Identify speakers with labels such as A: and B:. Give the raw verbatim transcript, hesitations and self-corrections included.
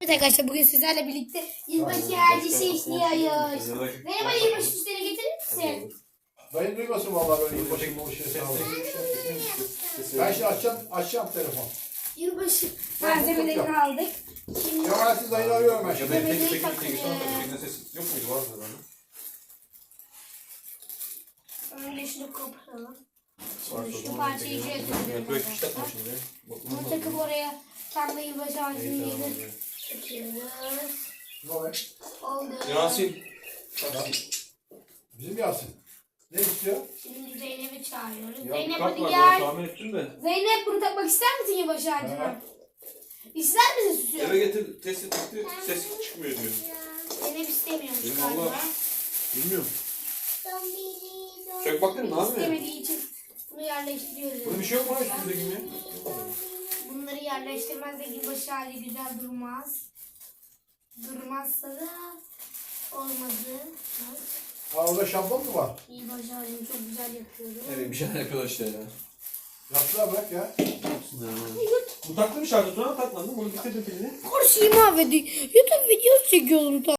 A: Evet arkadaşlar bugün sizlerle birlikte yılbaşı harcısı işliyoruz. Merhaba yılbaşı süsleri getirir misin?
B: Dayın duymasın vallahi böyle yılbaşı yılbaşı sağ olun. Ben şimdi açacağım, açacağım telefon.
A: Yılbaşı malzemelerini aldık. Şimdi
B: Cemalettin dayını arıyorum ben şimdi.
A: malzemeleri takıyoruz.
C: Yok muydu? Vardı lan.
A: Önce şunu koparalım.
C: Vardı,
A: Şimdi
C: o
A: şu
C: zaman
A: parçayı
C: bekleyelim.
A: şuraya takıyorum
C: Böyle fiş takma
A: arkadaşlar.
C: şimdi. Bak,
A: Bunu takıp oraya kendi yılbaşı harcını
C: İyi, tamam,
A: yedir.
C: evet.
A: Takıyoruz.
B: Ne oluyor?
A: Oldu.
C: Yasin.
B: Bizim Yasin. Ne istiyor?
A: Şimdi Zeynep'i çağırıyoruz.
C: Ya
A: Zeynep
C: bir kart
A: hadi
C: var,
A: gel.
C: ben tahmin ettim de.
A: Zeynep bunu takmak ister misin yılbaşı harcını?
B: Ha.
A: İster misin süsü?
C: Eve getir, test etti, ses çıkmıyor diyor.
A: Zeynep istemiyormuş
C: Benim
A: galiba.
C: Allah. Bilmiyorum. Çök baktın mı abi?
A: İstemediği için bunu yerleştiriyoruz.
C: Burada bir şey yok mu lan üstünde gibi?
A: Bunları yerleştirmezse yılbaşı hali güzel durmaz. Durmazsa da olmadı.
B: Ha orada şablon mu var?
A: Yılbaşı halini çok güzel yapıyorum.
C: Evet bir şeyler yapıyorlar işte ya.
B: Yaptılar bırak ya.
C: Bu taklı bir şarjı sonra takmadın. Bunu bitirdin pilini.
A: Kurşuyu mahvediyor. YouTube videosu çekiyorum.